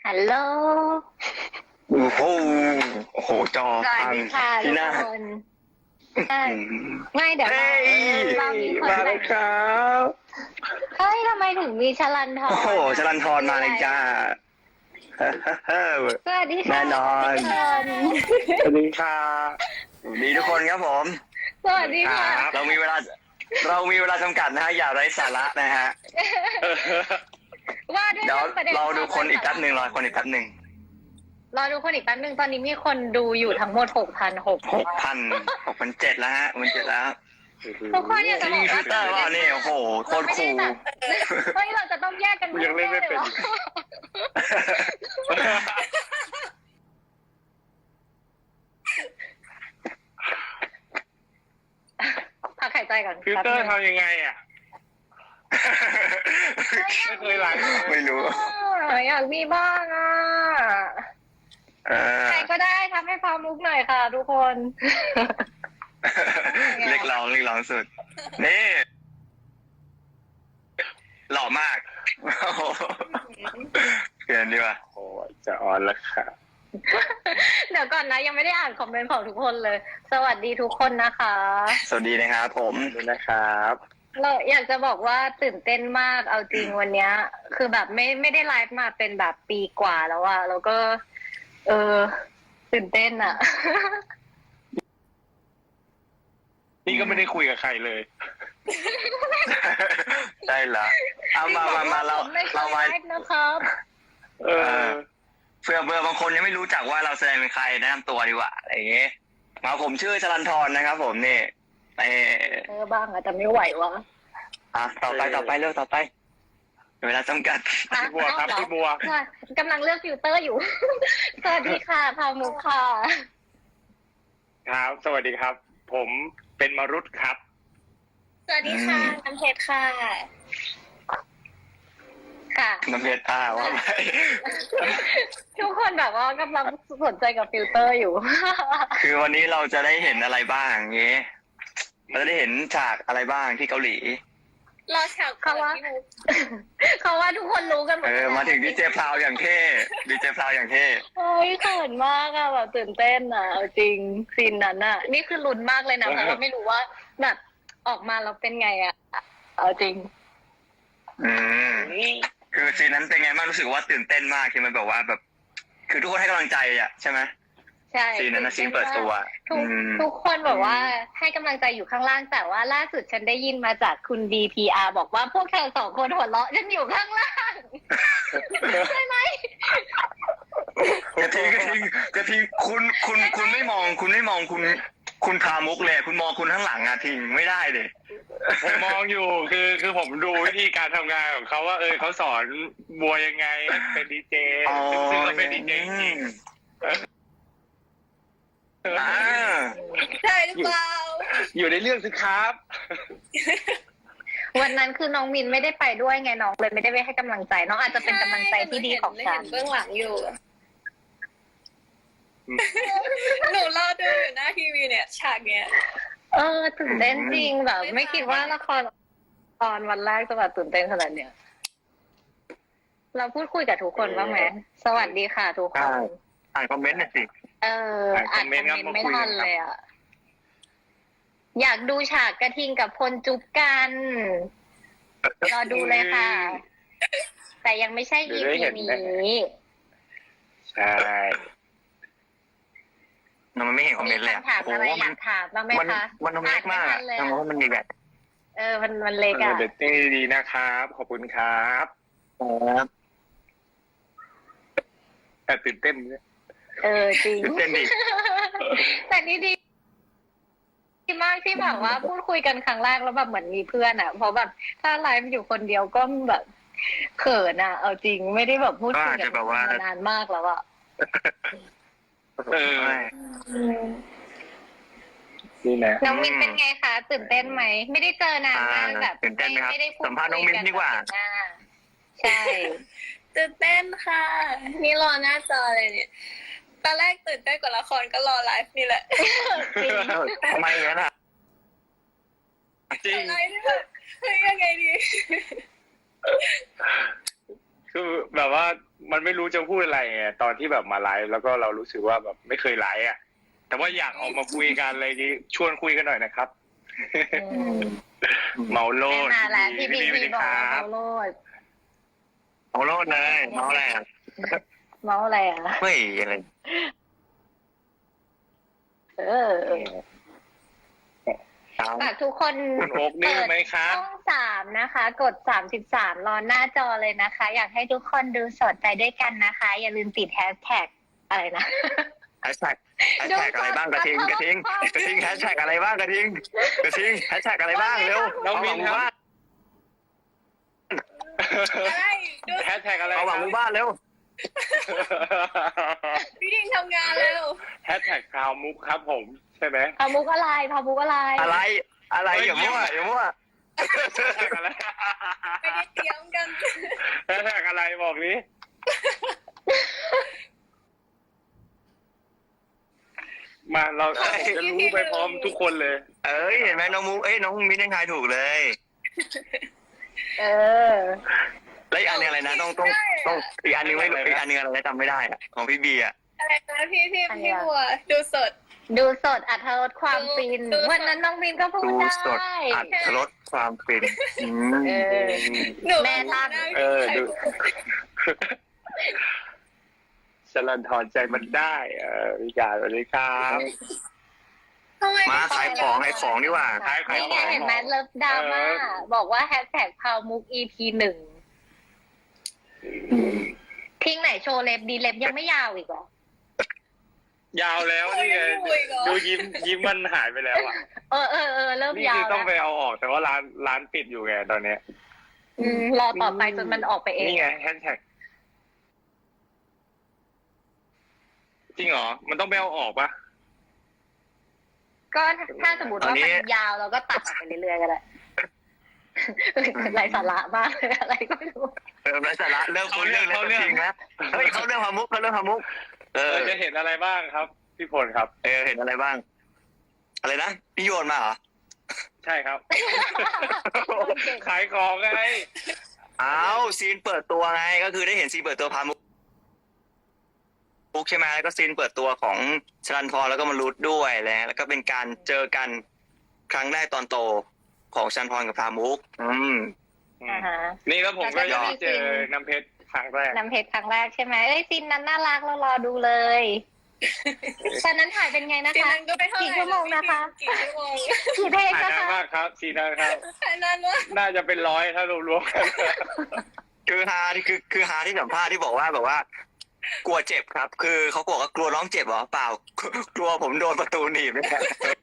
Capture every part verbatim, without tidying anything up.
ฮัลโหลโอ้โหโอ้โหจอสวัสพังดีค่ะทุที่กหน้าคนใช่ไม่เดี๋ยวเฮ้เรายเรามีคนมาแต่แล้งวครับเฮ้ยทำไมถึงมีชลันทรโอ้โหอะจรันทรมาเลยจ้าสวัสดีค่ะแน่นอนทุกคนสวัสดีค่ะสวัสดีทุกคนครับผมสวัสดีค่ะเรามีเวลา เรามีเวลาจำกัดนะฮะอย่าไร้สาระนะฮะว่าด้วยเดี๋ยวเรื่องประเด็นเราดูคนอีกแป๊บหนึ่งรอคนอีกแป๊บหนึ่งรอดูคนอีกแป๊บหนึ่งตอนนี้มีคนดูอยู่ทั้งหมดหกพันหกหกพันหกพันเจ็ดแล้วฮะมันเจ็ดแล้วทุกคนอยากจจะริบงอกฟิว่าลเตอร์ว่านี่โอ้โหโคตรคูลเราไม่ได้แบบเฮ้ยเราจะต้องแยกกันยังเล่นไม่เป็นหรอพักหายใจก่อนฟิลเตอร์ทำยังไงอ่ะ ไม่เคยไลฟ์ไม่รู้อยากมีบ้างอ่ะเออใครก็ได้ทำให้ฟามุกหน่อยค่ะทุกคนเรียกร้องเรียกร้องสุด นี่ หล่อมากโอ้โหเปลี่ยนดีกว่าโอ้จะออนแล้วค่ะเดี๋ยวก่อนนะยังไม่ได้อ่านคอมเมนต์ของทุกคนเลย สวัสดีทุกคนนะคะสวัสดีนะครับผมดูนะครับเราอยากจะบอกว่าตื่นเต้นมากเอาจริงวันเนี้ย คือแบบไม่ไม่ได้ไลฟ์มาเป็นแบบปีกว่าแล้วอะแล้วก็ เออ ตื่นเต้นอะนี่ก็ไม่ได้คุยกับใครเลยได้ละเอามามามาเราผมไม่เคเรายมาไลฟ์นะครับเออเพื่อเพื่อบางคนยังไม่รู้จักว่าเราแสดงเป็นใครแนะนำตัวดีกว่าอะไรอย่างเงี้ยมาผมชื่อชลันทรนะครับผมนี่เออเออบ้างอะแต่ไม่ไหววะอ่ะต่อไปต่อไปเร็วต่อไปเวลาจำกัดอ่ะพี่บัวครับเอาเหอพี่บัวค่ะกำลังเลือกฟิลเตอร์อยู่ สวัสดีค่ะพามุกค่ะครับ สวัสดีครับ ผมเป็นมรุตครับสวัสดีค่ะน้ำเพชรค่ะ ค่ะน้ำเพชรอ่าว่าไปทุกคนแบบว่ากำลังสนใจกับฟิลเตอร์อยู่คือวันนี้เราจะได้เห็นอะไรบ้างอย่างเงี้ยเราจะได้เห็นฉากอะไรบ้างที่เกาหลีรอฉากเขาว่าเขาว่าทุกคนรู้กันหมดเออ มาถึงดีเจพลาวอย่างเท่ดีเจพลาวอย่างเท่โอ้ยเขินมากอะแบบตื่นเต้นอะเอาจริงซีนนั้นอะนี่คือลุ้นมากเลยนะเพราะว่าไม่รู้ว่าแบบออกมาแล้วเป็นไงอะเอาจริงอืม คือซีนนั้นเป็นไงบ้างรู้สึกว่าตื่นเต้นมากที่มันแบบว่าแบบ คือทุกคนให้กำลังใจอ่ะใช่ไหมใช่ซีนนั้นนะซีนเปิดตัวทุกอืมทุกคนบอกว่าให้กำลังใจอยู่ข้างล่างแต่ว่าล่าสุดฉันได้ยินมาจากคุณ ดี พี อาร์ บอกว่าพวกเธอสองคนหัวเราะฉันอยู่ข้างล่างใช่ไหมกระทิงกระทิงกระทิงคุณคุณคุณไม่มอง คุณไม่มองคุณ คุณพามุกเลย คุณมองคุณข้างหลังอะทิงไม่ได้เลยผมมองอยู่ คือ คือผมดูวิธีการทำงานของเขาว่า เออเขาสอนบัวยังไงเป็นดีเจอ๋อซึ่งเขาเป็นดีเจจริงอ่าใช่หรือเปล่าอยู่ในเรื่องสิครับวันนั้นคือน้องมินไม่ได้ไปด้วยไงน้องเลยไม่ได้ไปให้กำลังใจ น้องอาจจะเป็นกำลังใจที่ดีของฉันเบื้องหลังอยู่ หนูรอดูอยู่หน้าทีวีเนี่ย ฉากเนี้ยเออตื่นเต้นจริงแบบ ไม่คิดว่าละครตอนวันแรกจะแบบตื่นเต้นขนาดเนี้ยเราพูดคุยกับทุกคนบ้างไหมสวัสดีค่ะทุกคนอ่านคอมเมนต์หน่อยสิเอออ่าอ่านนคคออมมเมเมนนต์ต์ไม่ครับมาคุยทันกันครับเลยอ่ะอยากดูฉากกระทิงกับพลจุ๊บกันรอดูเลยค่ะ แต่ยังไม่ใช่เดี๋อียวได้พีเห็นนี้นะ ใช่มันไม่เห็นคอมเมมีนต์เลยอะคำถามโอ้อะไรโหอมัยาน กถามบ้างไหมมันคะมันเล็กมากอ่อะนไทันเลยทำไมอะมันมีแบบเออมันมันเล็กอ่ะเดี๋ยวเต้นดีๆนะครับ ขอบคุณครับครับแต่ตื่นเต้นเนี่ยเออจริงตื่นเต้นดิแต่นี่ดีดีมากที่แบบว่าพูดคุยกันครั้งแรกแล้วแบบเหมือนมีเพื่อนอ่ะ เพราะแบบถ้าไลฟ์อยู่คนเดียวก็แบบเขินอ่ะ เอาจริงไม่ได้แบบพูดคุยก็อาจกัจะนแบบว่ามานานมากแล้วอ่ะเออ นี่นะน้องมินเป็นไงคะตื่นเต้นไหมไม่ได้เจอนานมากอ่าแบบตื่นเต้นไหมครับไม่ได้พูดสัมภาษณ์น้องมิ้นดีกว่าคุยนแบบเห็นหน้าใช่ตื่นเต้นค่ะ นี่รอหน้าจอเลยเนี่ย ตอนแรกตื่นเต้นกว่าละครก็รอไลฟ์นี่แหละจริงทำไมอย่างนั้นอ่ะจริงไลฟ์นี่แบบเฮ้ยยังไงดีคืคือแบบว่ามันไม่รู้จะพูดอะไรไงตอนที่แบบมาไลฟ์แล้วก็เรารู้สึกว่าแบบไม่เคยไลฟ์อ่ะแต่ว่าอยากออกมาคุยกันอะไรนี้ชวนคุยกันหน่อยนะครับอืมเมาโลไม่ดมาแล้วพี่บีสวัสพี่ดีบอกคว่ารับเมาโลดเอาโลดเลยเมาอะไรอ่ะเมาอะไรอ่ะเฮ้ยอะไรเออฝากทุกคนคุณโอ๊กดื้อไหมครับช่องสามนะคะ กดสามสิบสามรอหน้าจอเลยนะคะ อยากให้ทุกคนดูสดไปด้วยกันนะคะ อย่าลืมติดแฮชแท็กอะไรนะแฮชแท็กแฮชแท็กอะไรบ้างกระทิงกระทิงกระทิงแฮชแท็กอะไรบ้างกระทิงกระทิงแฮชแท็กอะไรบ้างเร็วน้องมินครับอะไรดูแฮชแท็กอะไรเอาหวังหมู่บ้านเร็วพี่ดิงทำงานแล้วแฮชแท็กพราวมุกครับผมใช่ไหมพามุกอะไรพามุกอะไรอะไรอะไรอย่ามั่วอย่ามั่วแฮชแท็กอะไรไม่ได้เตรียมกันแฮชแท็กอะไรบอกนี้มาเราจะรู้ไปพร้อมทุกคนเลยเอ้ยเห็นไหมน้องมุกเอ้ยน้องมิ้นยังทายถูกเลยเออแล้วอีกอันหนึงอะไรนะต้องต้องต้องอีกอันหนึงไม่รู้อีกอันหนึงอะไรนะจำไม่ได้อะของพี่บีอะอะไรนะพี่พี่พี่บัวดูสดดูสดอัธรสความฟินดูสดวันนั้นน้องมินก็พูดดูได้สดอัดรสความฟินอืมเออหนูแม่ตั้งเออดูสลันทอนใจมันได้ เออวิจารณ์สวัสดีครับทำไมมาขายของขายของดีกว่าขายขายนี่ขไงองเห็นไหมเลิฟดราม่าเออบอกว่าแฮชแท็กพาวมุก อี พี หนึ่งทิ้งไหนโชว์เล็บดีเล็บยังไม่ยาวอีกเหรอยาวแล้วนี่ไงดูยิ้มยิ้มมันหายไปแล้วอ่ะเออเออเออเริ่มนี่ยาคือวต้องไปแล้วเอาออกแต่ว่าร้านร้านปิดอยู่ไงตอนเนี้ยอืมรอต่อไปจนมันออกไปเองนี่ไงแฮชแท็กจริงเหรอ มันต้องไปเอาออกปะก็ถ้าสมมติว่ามันยาวเราก็ตัดออกไปเรื่อยๆก็ได้ไรสาระมากเลยอะไรก็ไม่รู้เออไร้สาระเลิกคุยเรื่องแล้วจริงนะเฮ้ยเขาเรื่องพามุกเขาเรื่องพามุกเอเอออจะเห็นอะไรบ้างครับ พี่พลครับเออเห็นอะไรบ้าง อะไรนะพี่โยนมาเหรอใช่ครับ ขายของไงอ้าวซีนเปิดตัวไงก็คือได้เห็นซีนเปิดตัวพามุกมุกใช่ไหมแล้วก็ซีนเปิดตัวของชลันทรแล้วก็มารุดด้วยแล้วแล้วก็เป็นการเจอกันครั้งแรกตอนโตของชลันทรกับพามุกอืมอ่าฮะนี่แล้วผมก็ยังไม่เจอน้ำเพชรครั้งแรกน้ำเพชรครั้งแรกใช่ไหมเอ้ยซีนนั้นน่ารักเรารอดูเลยตอนนั้นถ่ายเป็นไงนะซีคะนั้นก็ไปเท่าไหร่กี่ชั่วโมงนะคะกี่ชั่วโมงกี่เพลงถ่ายนะนานคะมากครับซีนานครับถ่ายนานมากน่าจะเป็นร้อยถ้ารวมๆกันคือฮาที่คือคือฮาที่สัมภาษณ์ที่บอกว่าแบบว่า กลัวเจ็บครับ คือเขาบอกว่ากลัวน้องเจ็บเหรอเปล่า กลัวผมโดนประตูหนีบเนี่ย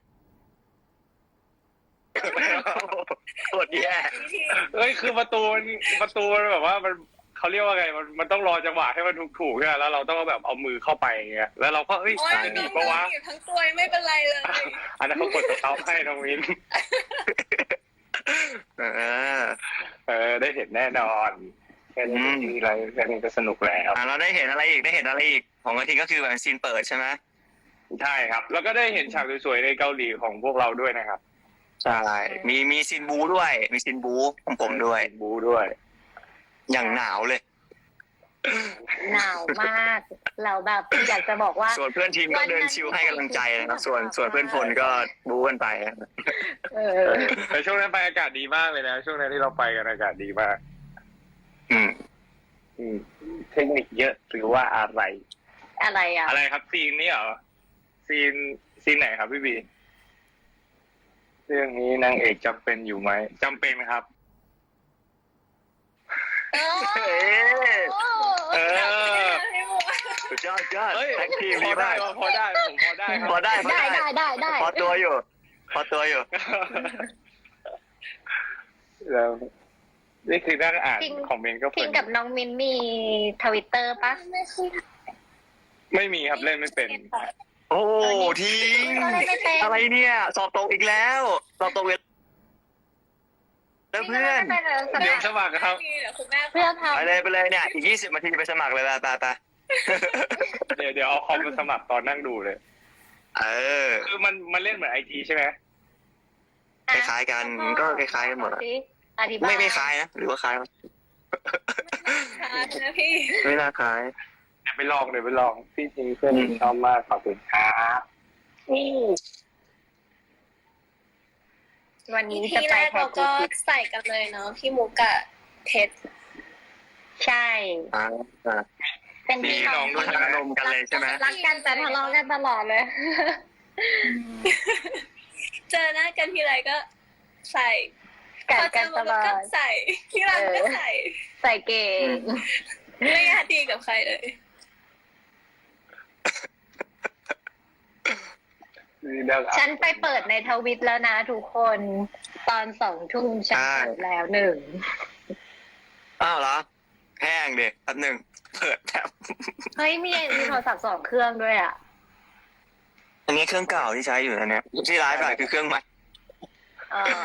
โคตรแย่เอ้ยคือประตูมันประตูมันแบบว่ามันเขาเรียกว่าไงมันมันต้องรอจังหวะให้มันถูกๆใช่ไหมแล้วเราต้องแบบเอามือเข้าไปอย่างเงี้ยแล้วเราก็เอ้ยโอ้ยจะหน้นีอบ งปะวะๆอยู่ทั้งตัวไม่เป็นไรเลยอันนั้นเขากดสต็อปให้น้องวินเออเออได้เห็นแน่นอนแค่นี้ก็มีอะไรแค่นี้ก็สนุกแล้วอ่ะเราได้เห็นอะไรอีกได้เห็นอะไรอีกของกระทิงก็คือแบบซีนเปิดใช่ไหมใช่ครับ แล้วก็ได้เห็นฉากสวยๆในเกาหลีของพวกเราด้วยนะครับใช่มีมีซีนบูด้วย มีซีนบูของผมด้วยบูด้วยอย่างหนาวเลยหนาวมากเราแบบอยากจะบอกว่าส่วนเพื่อนทีมก็เดินชิวให้กำลังใจนะครับ ส่วนส่วนเพื่อนพลก็บูกันไปเออแต่ช่วงนั้นไปอากาศดีมากเลยนะ ช่วงนั้นที่เราไปกันอากาศดีมากอืมอืมเทคนิคเยอะหรือว่าอะไรอะไรอ่ะอะไรครับซีนนี้เหรอซีนซีนไหนครับพี่บีเรื่องนี้นางเอกจำเป็นอยู่ไหมจำเป็นครับเออเออให้บัวสุดยอดยอดเฮ้ยแท็กทีมพดีอได้มากพอได้ผมพอได้ครับพอได้พอได้ได้ได้ได้ได้พอตัวอยู่ พอตัวอยู่แล้วนี่คือนั่งอ่านคอมเมนต์ก็เพพิลิงนกับน้องมินมีทวิตเตอร์ปะไม่เคยไม่มีครับเล่นไม่เป็นโอ้ทีมเราเล่นไม่เป็นอะไรเนี่ย สอบตกอีกแล้ว สอบตกเวลแล้วเพื่อนเดี๋ยวสมัครครับเดี๋ยวคุณแม่เพื่อทไปเลยไปเลยเนี่ย อีกยี่สิบนาทีไปสมัครเลยไปไปไปเดี๋ยวเดี๋ยวเอาคอมมาสมัครตอนนั่งดูเลยเออคือมันมันเล่นเหมือนไอทีใช่ไหมำคล้ายๆกันก็คล้ายๆกันหมดอะอธิบายไม่ไม่คล้ายนะ หรือว่าคล้ายวะค้างนะพี่ไม่น่าคล้ายเดี๋ยวไปลองเดี๋ยวไปลองพี่จริงเพื่อนชอบมากขอบคุณครับวันนี้ทีจะแรไปกแพเราทก็ย์ใส่กันเลยเนาะพี่มุกกะเพชรใช่อ่าอ่าเป็นพี่พี่น้น้ออง งด้วยอารมณ์กันเลยใช่ไหมรักกันแต่ทะเลาะกันตลอดเลยเจอหน้ากันทีไรก็ใส่กัดพอเจกัอนตมุกลอก็ดใส่ที่ร้านก็ใส่ใส่เก่งไม่อยากดีกับใครเลยฉันไปเปิดในทวิตแล้วนะทุกคนตอนสองทุ่มฉันเปิดแล้วหนึ่งอ้าวเหรอแห้งเด็กแป๊บหนึ่งเปิดแป๊บเฮ้ยมีมีโทรศัพท์สองเครื่องด้วยอ่ะอันนี้เครื่องเก่าที่ใช้อยู่นะเนี่ยที่ไลฟ์ไปคือเครื่องใหม่อ๋อ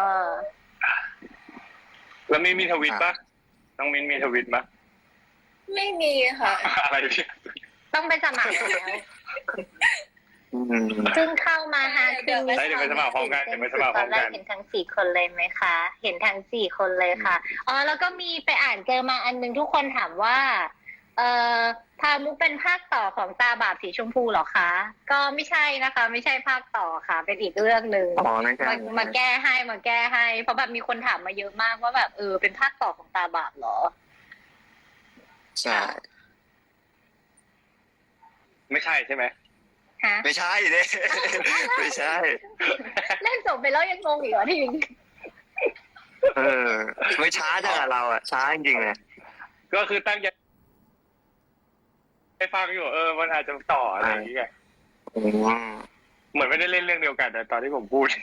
แล้วมีมีทวิตปะน้องมินมีทวิตปะไม่มีค่ะอะไรพี่ต้องไปสมัครแล้วอืมซึ่งเข้ามาฮาคืนนี้เดี๋ยวไปสมัครพร้อมกันเดี๋ยวไปสมัครพร้อมตอนแรกักนเห็นทั้งสี่คนเลยไหมคะ เห็นทั้งสี่คนเลยค่ะ อ๋อ แล้วก็มีไปอ่านเจอมาอันนึงทุกคนถามว่า เอ่อพามุกเป็นภาคต่อของตาบาปสีชมพูเหรอคะ ก็ไม่ใช่นะคะ ไม่ใช่ภาคต่อค่ะ เป็นอีกเรื่องหนึ่งอ๋อไม่ใช่มามาแก้ให้มาแก้ให้ เพราะแบบมีคนถามมาเยอะมากว่าแบบเออเป็นภาคต่อของตาบาปเหรอใช่ไม่ใช่ใช่ไหมฮะไม่ใช่เด้ ไม่ใช่เล่นจบไปแล้วยังงงอีกเหรอทิงเออ ไม่ช้าจังอะเราอะช้าจริงๆเลยก็คือตั้งใจไปฟังอยู่เออมันอาจจะต่ออะไรอย่างเงี้ยอืมเหมือนไม่ได้เล่นเรื่องเดียวกันแต่ตอนที่ผมพูด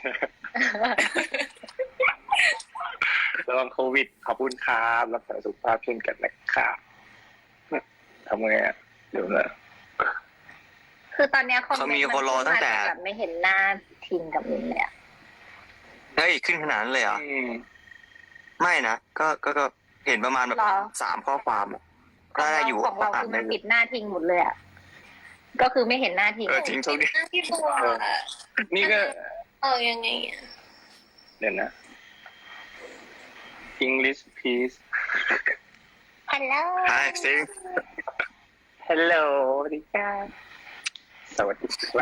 ระวังโควิดขอบคุณครับรักษาสุขภาพเช่นกันนะครับทำไงอ่ะเดี๋ยวนะคือตอนเนี้ยเขามีคนรอตั้งแต่แบบไม่เห็นหน้าทิงกับมินเลยอะเฮ้ยขึ้นขนาดนั้นเลยเหรออืมไม่นะก็ก็ก็เห็นประมาณแบบสามข้อความอะก็ได้อยู่ของเราอ่านคือได้มันอยู่ปิดหน้าทิงหมดเลยอะก็คือไม่เห็นหน้าทิงเออจริงโชคดีหน้าพี่บัวนี่ก็เออยังไงอ่ะเดี๋ยวนะ English please ฮัลโหลใช่ซิง Hello สวัสดีครับสวัสดีครับ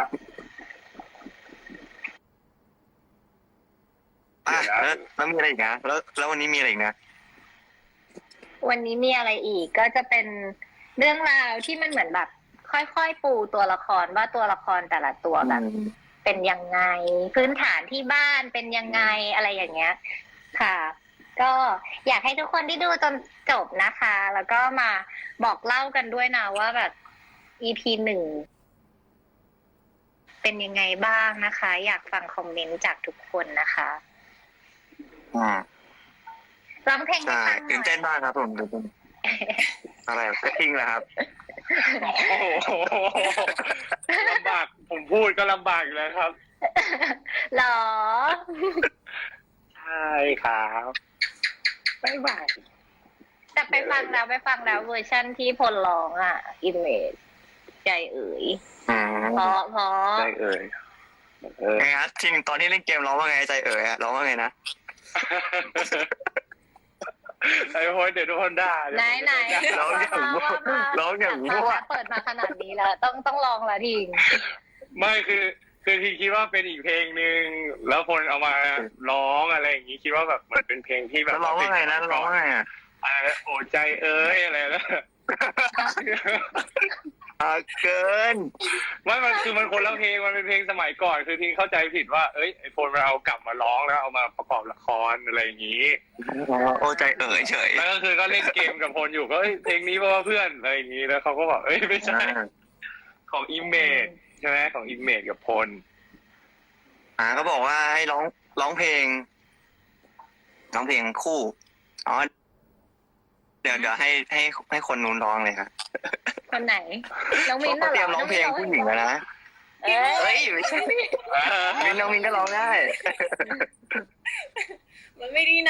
อ่ะแล้วแล้วมีอะไรอีกนะแล้วแล้ววันนี้มีอะไรอีกนะวันนี้มีอะไรอีกก็จะเป็นเรื่องราวที่มันเหมือนแบบ ค่อยๆปูตัวละครว่าตัวละครแต่ละตัวแบบ เป็นยังไง พื้นฐานที่บ้านเป็นยังไงอะไรอย่างเงี้ย ค่ะ ก็อยากให้ทุกคนที่ดูจนจบนะคะ แล้วก็มาบอกเล่ากันด้วยนะว่าแบบ อี พี หนึ่งเป็นยังไงบ้างนะคะ อยากฟังคอมเมนต์จากทุกคนนะคะอืมร้องเพลงให้ใช่ฟังหน่ตื่นอยเต้นมากครับผมตื่นเต้นอะไรก็ทิ้งแหละครับโอ้โหลำบากผมพูดก็ลำบากอยู่แล้วครับหรอใช่ครับบ๊ายบายแต่ไปฟังแล้วไปฟังแล้วเวอร์ชั่นที่พลร้องอ่ะ อิมเมจใจเอ๋ยอืมเพราะเพราะได้เอ่ยเออไงฮะจริงตอนที่เล่นเกมร้องว่าไงใจเอ๋ยอะร้องว่าไงนะไอ้โหยเดี๋ยวทุกคนด่าเดี๋ยวไหนผมไหนจะด่าร้องอย่างมั่วร้องอย่างมั่วเปิดมาขนาดนี้แล้วต้องต้องลองละทิงไม่คือคือทีคิดว่าเป็นอีกเพลงหนึ่งแล้วคนเอามาร้องอะไรอย่างนี้คิดว่าแบบมันเป็นเพลงที่แบบแล้วร้องว่าไงนะแล้วร้องว่าไงอะอะไรโอ้ใจเอ้ยอะไรแล้วอ่าเกินไม่มันคือมันคนละเพลงมันเป็นเพลงสมัยก่อนคือทีเข้าใจผิดว่าเอ้ยไอโฟนมันเอากลับมาร้องแล้วเอามาประกอบละครอะไรอย่างนี้โอ้ใจเอ๋ยเฉยแล้วก็คือก็เล่นเกมกับพลอยู่ก็เอ้ยเพลงนี้เพราะว่าเพื่อนอะไรอย่างนี้แล้วเขาก็บอกเอ้ยไม่ใช่ของอิมเมจใช่ไหมของอิมเมจกับพลอ่าก็บอกว่าให้ร้องร้องเพลงร้องเพลงคู่อ๋อเดี๋ยวเดี๋ยวให้ให้ให้คนนู้นร้องเลยครับคนไหนน้องมินเขาเตรียมร้องเพลงผู้หญิงแล้วนะเอ้เฮ้ยยไม่ใช่มินน้องมินก็ร้องได้มันไม่ดีนะ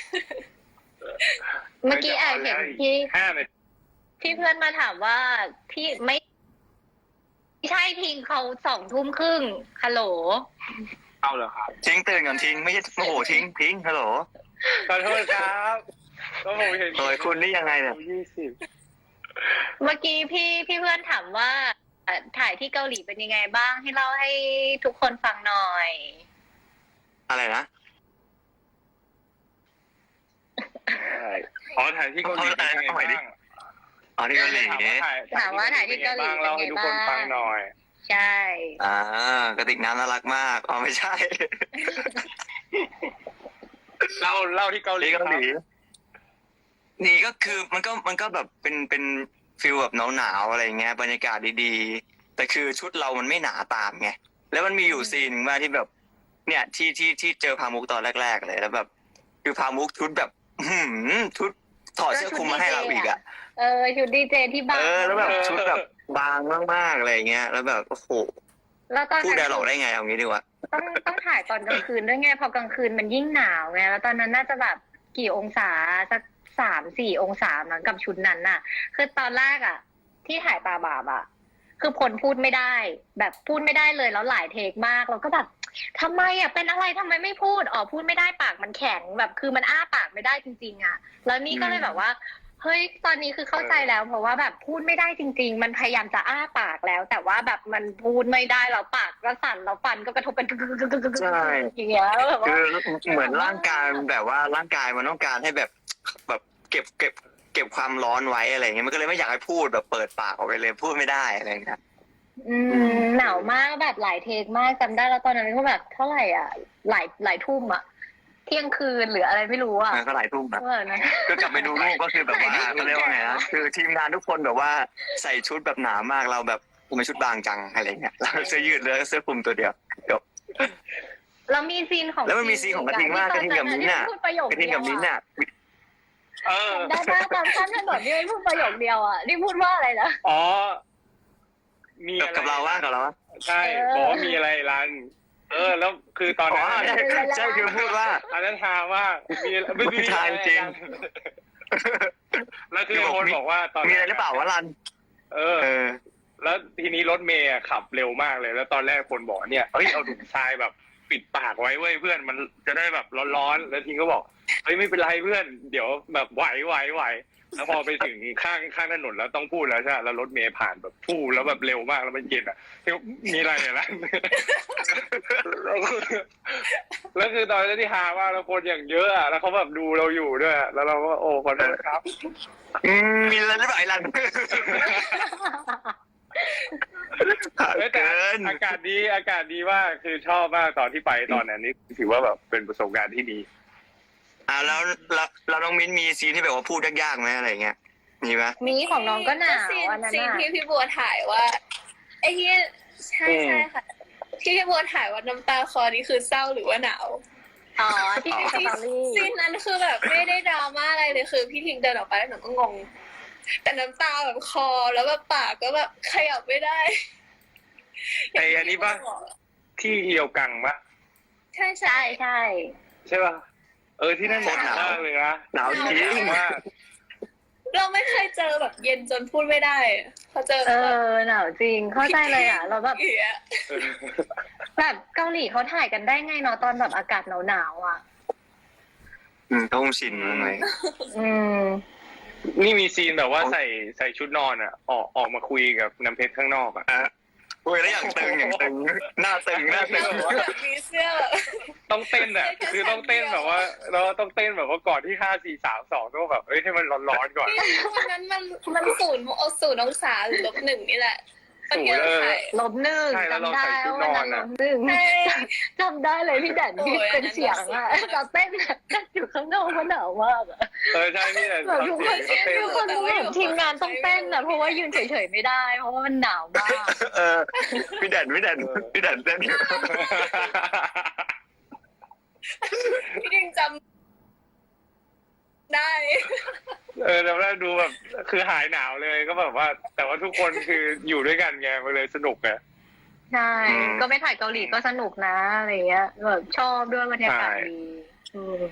เมื่อกี้อ่านเห็นที่ห้านาทีที่เพื่อนมาถามว่าพี่ไม่ไม่ใช่ทิงเขาสองทุ่มครึ่งฮัลโหลเอาเหรอครับทิ้งตื่นก่อนทิ้งไม่ใช่โอ้โหทิ้งทิ้งฮัลโหลขอโทษครับก็ผมเห็นโดยคุณนี่ยังไงเนี่ยยี่สิบเมื่อกี้พี่พี่เพื่อนถามว่าเอ่อถ่ายที่เกาหลีเป็นยังไงบ้างให้เล่าให้ทุกคนฟังหน่อยอะไรนะใช่อ๋อถ่ายที่เกาหลีเป็นยังไงบ้างอ๋อที่เกาหลีถามว่าถ่ายที่เกาหลีเล่าให้ทุกคนฟังหน่อยใช่อ่ากระติกน้ำน่ารักมากอ๋อไม่ใช่เล่าเล่าที่เกาหลีที่เกาหลีนี่ก็คือมันก็มันก็แบบเป็นเป็นฟิลแบบหนาวๆอะไรเงี้ยบรรยากาศดีๆแต่คือชุดเรามันไม่หนาตามไงแล้วมันมีอยู่ซีนหนึ่งว่าที่แบบ เนี่ยที่ที่ที่เจอพามุกตอนแรกๆเลยแล้วแบบคือพามุกชุดแบบ อื้อหือชุดถอดเสื้อคลุมมาให้เราอีกอ่ะเออชุดดีเจที่บ้านเออแล้วแบบชุดแบบบางมากๆอะไรเงี้ยแล้วแบบโอ้โหแล้วตอนพูดนั้นได้หรอกได้ไงเอางี้ดีกว่าต้องต้องถ่ายตอนกลางคืนด้วยไงพอกลางคืนมันยิ่งหนาวไงแล้วตอนนั้นน่าจะแบบกี่องศาสักสามสี่องศามั้งกับชุดนั้นน่ะ คือตอนแรกอ่ะ ที่ถ่ายตาบาบอ่ะ คือพลพูดไม่ได้ แบบพูดไม่ได้เลยแล้วหลายเทคมากเราก็แบบทำไมอ่ะเป็นอะไรทำไมไม่พูดอ๋อพูดไม่ได้ปากมันแข็งแบบคือมันอ้าปากไม่ได้จริงๆอ่ะ แล้วนี่ก็เลยแบบว่าเฮ้ยตอนนี้คือเข้าใจแล้ว เพราะว่าแบบพูดไม่ได้จริง ๆ มันพยายามจะอ้าปากแล้ว แต่ว่าแบบมันพูดไม่ได้แล้วปากก็สั่นแล้วฟันก็กระทบเป็นกึกกึกกึกกึกกึกใช่อย่างเงี้ยแบบว่าคือเหมือนร่างกายแบบว่าร่างกายมันต้องการให้แบบแบบเก็บเก็บเก็บความร้อนไว้อะไรเงี้ยมันก็เลยไม่อยากให้พูดแบบเปิดปากออกไปเลยพูดไม่ได้อะไรเงี้ยอืมหนาวมากแบบหลายเทคมากจำได้แล้วตอนนั้นก็แบบเท่าไหร่อ่ะหลายหลายทุ่มอ่ะเที่ยงคืนหรืออะไรไม่รู้อ่ะมันก็หลายทุ่มนะเออนะก็กลับไปดูรูปก็คือแบบว่าเขาเรียกว่าไงนะคือทีมงานทุกคนแบบว่าใส่ชุดแบบหนามากเราแบบกูเป็นชุดบางจังอะไรเงี้ยเราเสื้อยืดเลยเสื้อคลุมตัวเดียวจบแล้วมีซีนของแล้วมันมีซีนของกระทิงมากกระทิงกับมิ้นท์น่ะที่พูดประโยคกระทิงเดียกับวมิ้นท์อ่ะน่ะเออได้ป้าตามข้ามถนนนี่ไม่พูดประโยคเดียวอ่ะนี่พูดว่าอะไรนะอ๋อ มีอะไรกับเราว่ากับเราว่าใช่บอกว่ามีอะไรรัน เออ แล้วคือตอนอ๋อนั้นใช่ใช่คือพูดว่าอันนั้นทาว่ามีไม่ไม่ทาจริงแล้วคือคนบอกว่าตอนมีอะไรหรือเปล่าวะรันเออเออแล้วทีนี้รถเมย์อะขับเร็วมากเลย แล้วตอนแรกคนบอกเนี่ยเฮ้ยเอาถุงทรายแบบปิดปากไว้เว้ยเพื่อนมันจะได้แบบร้อนๆแล้วทีก็บอกเฮ้ยไม่เป็นไรเพื่อนเดี๋ยวแบบไหวไหวไหวแล้วพอไปถึงข้างข้างถนนแล้วต้องพูดแล้วใช่ไหมแล้วรถเมย์ผ่านแบบพูดแล้วแบบเร็วมากแล้วมันเย็นอ่ะมีอะไรเนี่ยล่ะ แล้วคือแล้วคือตอนนั้นที่ฮาว่าเราคนอย่างเยอะอ่ะแล้วเขาแบบดูเราอยู่ด้วยอะแล้วเราก็โอ้ขอโทษครับอืมมีอะไรหรือเปล่าไอ้รันเอ้ยแต่เกินอากาศดีอากาศดีมากคือชอบมากตอนที่ไปตอนนั้นนี่ถือว่าแบบเป็นประสบการณ์ที่ดีอ่าแล้วแล้วแล้วน้องมิ้นมีซีนที่แบบว่าพูดยากๆไหมอะไรเงี้ยมีไหมมีของน้องก็หนาวซีนอันนั้นซีนอ่ะที่พี่บัวถ่ายว่าไอ้ที่ใช่ใช่ค่ะที่พี่บัวถ่ายว่าน้ำตาคลอนี่คือเศร้าหรือว่าหนาวอ๋อที่เป็นสตอรี่ซีนนั้นคือแบบไม่ได้ดราม่าอะไรเลยคือพี่ทิงเดินออกไปแล้วหนูก็งง แต่น้ำตาแบบคอแล้วแบบปากก็แบบขยับไม่ได้ไอ้อันนี้ปะ ที่เอียวกังปะใช่ใช่ใช่ใช่ใช่ปะเออที่นั่นหนาวมากเลยนะหนาวจริงมากเราไม่เคยเจอแบบเย็นจนพูดไม่ได้พอเจอเอแบบอหนาวจริงเข้าใจเลยอ่ะเราแบบเอี๊ยะแบบเกาหลีเขาถ่ายกันได้ไงเนาะตอนแบบอากาศหนาวๆอ่ะอืมต้องชินมั้งเลยอืมนี่มีซีนแบบว่าใส่ใส่ชุดนอนอ่ะ ออกออกมาคุยกับน้ำเพชรข้างนอกอ่ะอ่ะโอ้ยแล้วอย่างตึงอย่างตึงหน้าตึงหน้าตึงแล้วแบบมีเสื้อแบบต้องเต้นอ่ะ คือต้องเต้นแบบว่า เราต้องเต้นแบบว่าก่อนที่ห้าสี่สามสองต้องแบบเอ้ยให้มันร้อนๆก่อนวันนั้นมันมันศูนย์เอาศูนย์องศาหรือลบหนึ่งนี่แหละตอนที่เราถ่ายลบหนึ่งใช่แล้วเราจำได้ใส่ชุดว่านอวัน นอะนั้นลบหนึ่งใช่จำได้เลยพี่แดนที่โอ้ยเป็นเสียงอ่ะอันนั้นเราเต้นกันอยู่ข้างนอกมันหนาวมากอะเออใช่พี่แต่แบบทุกคนเขาเต้นทุกคนแบบทีมงานต้องเต้นอะเพราะว่ายืนเฉยๆไม่ได้ เพราะว่ามันหนาวมากเออพี่แดนพี่แดนพี่แดนเต้นอยู่พี่ดิงจำได้เออแล้วดูแบบคือหายหนาวเลยก็แบบว่า แต่ว่าทุกคนคืออยู่ด้วยกันไงมันเลยสนุกไงใช่ ก็ไปถ่ายเกาหลีก็สนุกนะอะไรเงี้ยแบบชอบด้วยบรรยากาศดีอืม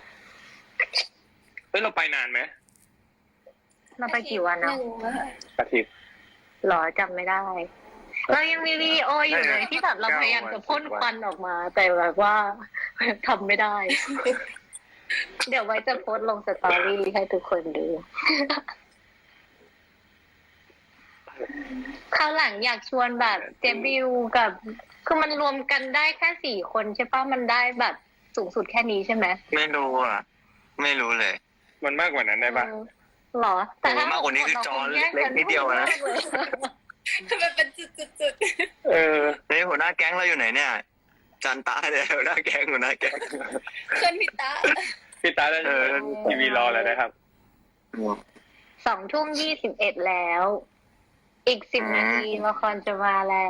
เฮ้ยเราไปนานไหมเราไปกี่วันเนาะอาทิตย์หรอจำไม่ได้ เรายังมีวีดีโออยู่เลยที่แบบเราพยายามจะพ่นควันออกมา แต่แบบว่าทำไม่ได้เดี๋ยวไว้จะโพสต์ลงสตอรี่ให้ทุกคนดู คราวหลังอยากชวนแบบเจบิวกับ คือมันรวมกันได้แค่สี่คนใช่ปะมันได้แบบสูงสุดแค่นี้ใช่ไหมไม่รู้อ่ะ ไม่รู้เลยมันมากกว่านั้นได้ปะเออหรอ แต่ถ้โอ้มากกว่านี้คือจอเล็กนิดเดียวนะมันเป็นจุดๆเออเฮ้ยหัวหน้าแก๊งเราอยู่ไหนเนี่ย จันตาเนี่ยหัวหน้าแก๊งหัวหน้าแก๊งๆเพื่อนพี่ตาพี่ตาได้เออทีวีรอแล้วนะครับสองทุ่มยี่สิบเอ็ดแล้ว อีกสิบนาทีละครจะมาแล้ว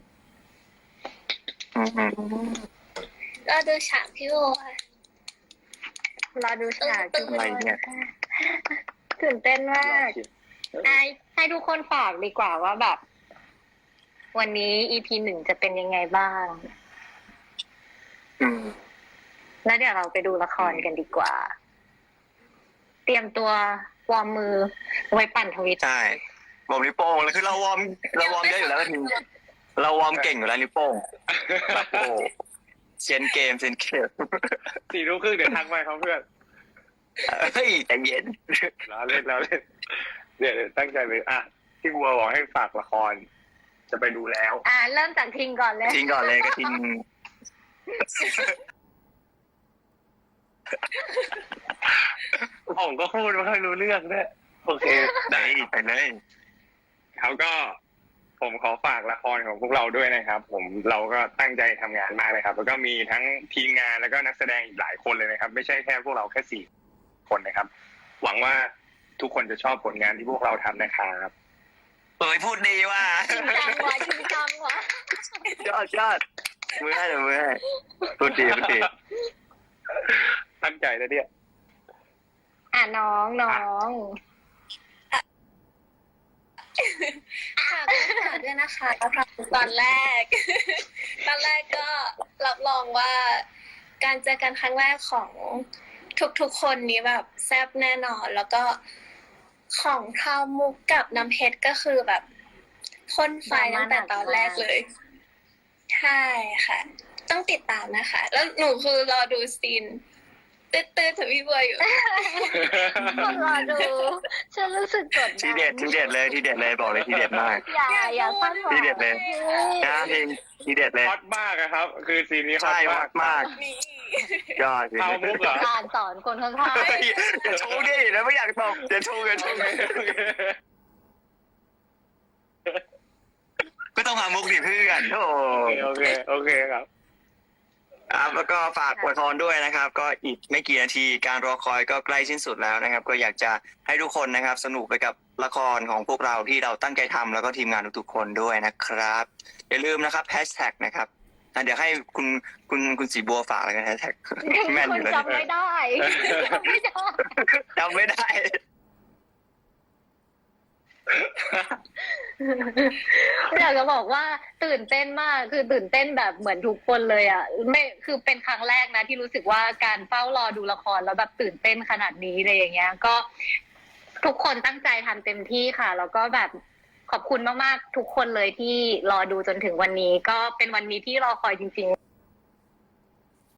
อืมก็ดูฉากพี่โบค่ะรอดูฉากทุกอะไรคนเนี่ยตื่นเต้นมากไอให้ทุกคนฝากดีกว่าว่าแบบ วันนี้ อี พี หนึ่งจะเป็นยังไงบ้างอืมแล้วเดี๋ยวเราไปดูละครกันดีกว่า เตรียมตัววอร์มมือไว้ปั่นทวิตใช่บอกนิ้วโป้งแล้วคือเราวอร์มเราวอร์มเยอะอยู่แล้วก็ทีเราวอร์มเก่งอยู่แล้วนิ้วโป้งโอ้เซนเกมเซนเกมสี่ทุ่มครึ่งเดี๋ยวทักไปครับเพื่อนเฮ้ยใจเย็นล้อเล่นล้อเล่นเดี๋ยวเดี๋ยวตั้งใจเลยอ่ะที่บัวบอกให้ฝากละคร จะไปดูแล้วอ่าเริ่มจากทิงก่อนเลยทิ้งก่อนเลยก็ทิ้งผมก็พูดไม่ค่อยรู้เรื่องด้วยโอเคได้ไปเลยเขาก็ผมขอฝากละครของพวกเราด้วยนะครับ ผมเราก็ตั้งใจทำงานมากเลยครับ แล้วก็มีทั้งทีมงานแล้วก็นักแสดงอีกหลายคนเลยนะครับ ไม่ใช่แค่พวกเราแค่สี่คนนะครับ หวังว่าทุกคนจะชอบผลงานที่พวกเราทำนะครับเอ้ยพูดดีว่ะจริงจังวะจริงจังวะยอดยอดมือให้เดี๋ยวมือให้พูดดีพูดดีตั้งใจนะเนี่ยอ่ะน้องน้องค่ะก็ฝากด้วยนะคะตอนแรก ตอนแรกก็รับรองว่า การเจอกันครั้งแรกของทุกๆคนนี้แบบแซ่บแน่นอน แล้วก็ของพราวมุกกับน้ำเพชรก็คือแบบพ่นไฟตั้งแต่ตอนแรกเลย ใช่ค่ะ ต้องติดตามนะคะ แล้วหนูคือรอดูซีนตื้อๆถึงพี่บัวอยู่คนรอดูฉันรู้สึกกดดันทีเด็ดทีเด็ดเลยทีเด็ดเลยบอกเลยทีเด็ดมากอย่าอย่าพลาดหวังทีเด็ดเลย นะเพลงทีเด็ดเลยฮอตมากอะครับ คือซีนนี้ฮอใช่ตมามาก กมากนี่ยอดเอามุกเหรอการสอนคนข้างเฮ้ยอย่าโชว์ดิแล้วไม่อยากตอบอย่าโชว์อย่าโชว์ก็ต้องหามุกดิเพื่อนโอ้โอเคโอเคโอเคครับครับแล้วก็ฝากอวยพรด้วยนะครับ ก็อีกไม่กี่นาทีการรอคอยก็ใกล้สิ้นสุดแล้วนะครับ ก็อยากจะให้ทุกคนนะครับ สนุกไปกับละครของพวกเราที่เราตั้งใจทำแล้วก็ทีมงานทุกๆคนด้วยนะครับ อย่าลืมนะครับแฮชแท็กนะครับอ่ะเดี๋ยวให้คุณคุณคุณสีบัวฝากแล้วกันแฮชแท็กๆแม่นคอน ยู่แล้วจำไม่ได้จำไม่ได้จำไม่ได้อยากจะบอกว่าตื่นเต้นมากคือตื่นเต้นแบบเหมือนทุกคนเลยอ่ะไม่คือเป็นครั้งแรกนะที่รู้สึกว่าการเฝ้ารอดูละครแล้วแบบตื่นเต้นขนาดนี้เลยอย่างเงี้ย ก็ทุกคนตั้งใจทำเต็มที่ค่ะ แล้วก็แบบขอบคุณมากๆทุกคนเลยที่รอดูจนถึงวันนี้ ก็เป็นวันนี้ที่รอคอยจริงๆ